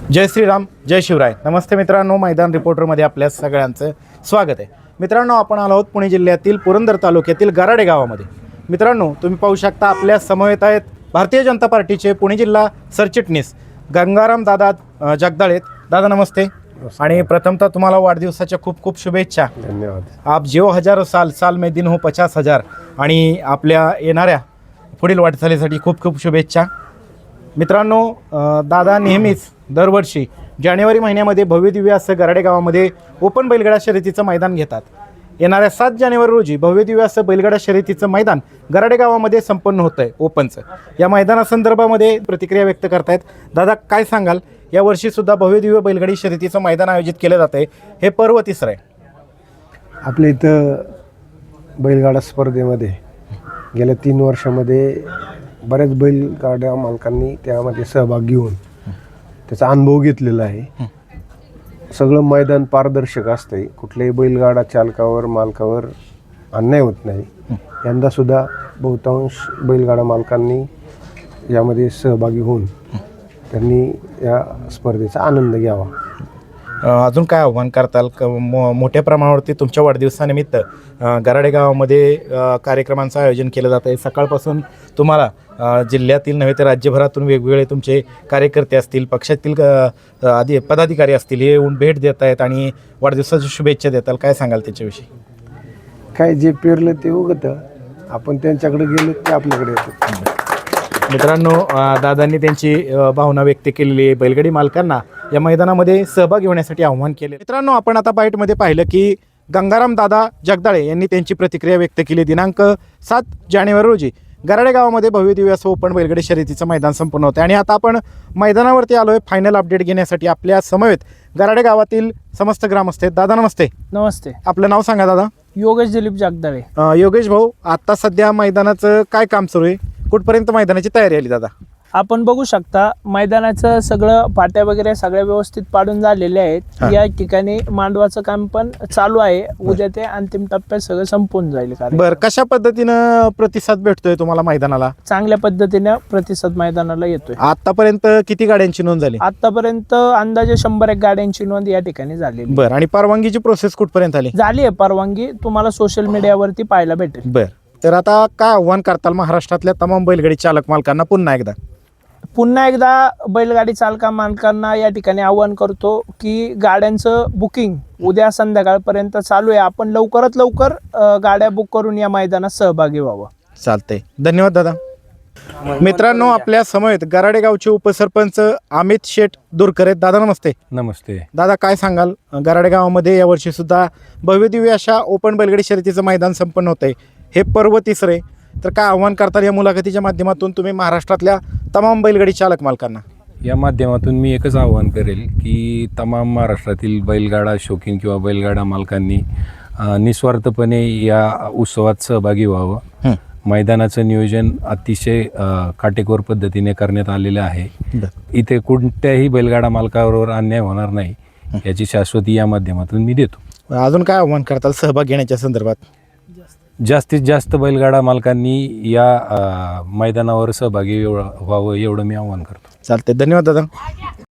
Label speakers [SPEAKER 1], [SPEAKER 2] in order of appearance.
[SPEAKER 1] जय श्रीराम, जय शिवराय. नमस्ते मित्रांनो, मैदान रिपोर्टरमध्ये आपल्या सगळ्यांचं स्वागत आहे. मित्रांनो, आपण आलो आहोत पुणे जिल्ह्यातील पुरंदर तालुक्यातील गराडे गावामध्ये. मित्रांनो, तुम्ही पाहू शकता आपल्या समवेत आहेत भारतीय जनता पार्टीचे पुणे जिल्हा सरचिटणीस गंगाराम दादा जगदाळे. दादा नमस्ते. आणि प्रथमतः तुम्हाला वाढदिवसाच्या खूप खूप शुभेच्छा.
[SPEAKER 2] धन्यवाद.
[SPEAKER 1] आप जिओ हजारो साल, साल में दिन हो 50,000. आणि आपल्या येणाऱ्या पुढील वाटचालीसाठी खूप खूप शुभेच्छा. मित्रांनो, दादा नेहमीच दरवर्षी जानेवारी महिन्यामध्ये भव्यदिव्य असं गराडे गावामध्ये ओपन बैलगाडा शर्यतीचं मैदान घेतात. येणाऱ्या 7 जानेवारी रोजी भव्यदिव्य असं बैलगाडा शर्यतीचं मैदान गराडे गावामध्ये संपन्न होतं आहे ओपनचं. या मैदानासंदर्भामध्ये प्रतिक्रिया व्यक्त करतायत. दादा, काय सांगाल? यावर्षीसुद्धा भव्यदिव्य बैलगाडी शर्यतीचं मैदान आयोजित केलं जातं आहे. हे पर्व तिसरं आहे.
[SPEAKER 2] आपल्या इथं बैलगाडा स्पर्धेमध्ये गेल्या 3 वर्षामध्ये बऱ्याच बैलगाड्या मालकांनी त्यामध्ये सहभाग घेऊन त्याचा अनुभव घेतलेला आहे. सगळं मैदान पारदर्शक असतं आहे. कुठल्याही बैलगाडा चालकावर मालकावर अन्याय होत नाही. यंदासुद्धा बहुतांश बैलगाडा मालकांनी यामध्ये सहभागी होऊन त्यांनी या स्पर्धेचा आनंद घ्यावा.
[SPEAKER 1] अजून काय आव्हान करताल? मोठ्या प्रमाणावरती तुमच्या वाढदिवसानिमित्त गराडे गावामध्ये कार्यक्रमांचं आयोजन केलं जातं आहे. सकाळपासून तुम्हाला जिल्ह्यातील नव्हे तर राज्यभरातून वेगवेगळे तुमचे कार्यकर्ते असतील, पक्षातील पदाधिकारी असतील, हे येऊन भेट देत आहेत आणि वाढदिवसाच्या शुभेच्छा देताल. काय सांगाल त्याच्याविषयी?
[SPEAKER 2] काय जे पेरलं ते उगतं. आपण त्यांच्याकडे गेलो ते आपल्याकडे येतं.
[SPEAKER 1] मित्रांनो, दादांनी त्यांची भावना व्यक्त केलेली आहे. बैलगाडी मालकांना या मैदानामध्ये सहभागी होण्यासाठी आव्हान केले. मित्रांनो, आपण आता बाईटमध्ये पाहिलं की गंगाराम दादा जगदाळे यांनी त्यांची प्रतिक्रिया व्यक्त केली. दिनांक 7 जानेवारी रोजी गराडे गावामध्ये भव्यदिव्य असं ओपन बैलगाडी शर्यतीचं मैदान संपन्न होतं. आणि आता आपण मैदानावरती आलो आहे फायनल अपडेट घेण्यासाठी. आपल्या समवेत गराडे गावातील समस्त ग्रामस्थ आहेत. दादा नमस्ते.
[SPEAKER 3] नमस्ते.
[SPEAKER 1] आपलं नाव सांगा दादा.
[SPEAKER 3] योगेश दिलीप जगदाळे.
[SPEAKER 1] योगेश भाऊ, आता सध्या मैदानाचं काय काम सुरू आहे? कुठपर्यंत मैदानाची तयारी आली दादा?
[SPEAKER 3] आपण बघू शकता मैदानाचं सगळं पाट्या वगैरे सगळ्या व्यवस्थित पाडून झालेले आहेत. या ठिकाणी मांडवाचं काम पण चालू आहे. उद्या ते अंतिम टप्प्यात सगळं संपून जाईल.
[SPEAKER 1] बरं, कशा पद्धतीनं प्रतिसाद भेटतोय तुम्हाला मैदानाला?
[SPEAKER 3] चांगल्या पद्धतीने प्रतिसाद मैदानाला येतोय.
[SPEAKER 1] आतापर्यंत किती गाड्यांची नोंद झाली?
[SPEAKER 3] आतापर्यंत अंदाजे 100 गाड्यांची नोंद या ठिकाणी झालेली.
[SPEAKER 1] बरं, आणि परवानगीची प्रोसेस कुठपर्यंत आली?
[SPEAKER 3] झाली आहे परवानगी, तुम्हाला सोशल मीडियावरती पाहायला भेटेल.
[SPEAKER 1] बरं, तर आता काय आव्हान करताल महाराष्ट्रातल्या तमाम बैलगाडी चालक मालकांना?
[SPEAKER 3] पुन्हा एकदा बैलगाडी चालका मालकांना या ठिकाणी आवाहन करतो की गाड्यांचं बुकिंग उद्या संध्याकाळपर्यंत चालू आहे. आपण लवकरात लवकर गाड्या बुक करून या मैदानात सहभागी व्हावं.
[SPEAKER 1] चालतंय, धन्यवाद दादा. मित्रांनो, आपल्या समवेत गराडे गावचे उपसरपंच अमित शेठ दूरकर आहेत. दादा नमस्ते.
[SPEAKER 4] नमस्ते.
[SPEAKER 1] दादा, काय सांगाल? गराडे गावामध्ये यावर्षी सुद्धा भव्यदिव्य अशा ओपन बैलगाडी शर्यतीचं मैदान संपन्न होत आहे. हे पर्व तिसरे, तर काय आव्हान करतात या मुलाखतीच्या माध्यमातून तुम्ही महाराष्ट्रातल्या तमाम बैलगाडी चालक मालकांना?
[SPEAKER 4] या माध्यमातून मी एकच आवाहन करेल की तमाम महाराष्ट्रातील बैलगाडा शौकीन किंवा बैलगाडा मालकांनी निस्वार्थपणे या उत्सवात सहभागी व्हावं. मैदानाचं नियोजन अतिशय काटेकोर पद्धतीने करण्यात आलेलं आहे. इथे कोणत्याही बैलगाडा मालकावर अन्याय होणार नाही याची शाश्वती या माध्यमातून मी देतो.
[SPEAKER 1] अजून काय आव्हान करताल सहभाग घेण्याच्या संदर्भात?
[SPEAKER 4] जास्तीत जास्त बैलगाडा मालकांनी या मैदानावर सहभागी व्हावं एवढं मी आवाहन करतो.
[SPEAKER 1] चालते, धन्यवाद दादा.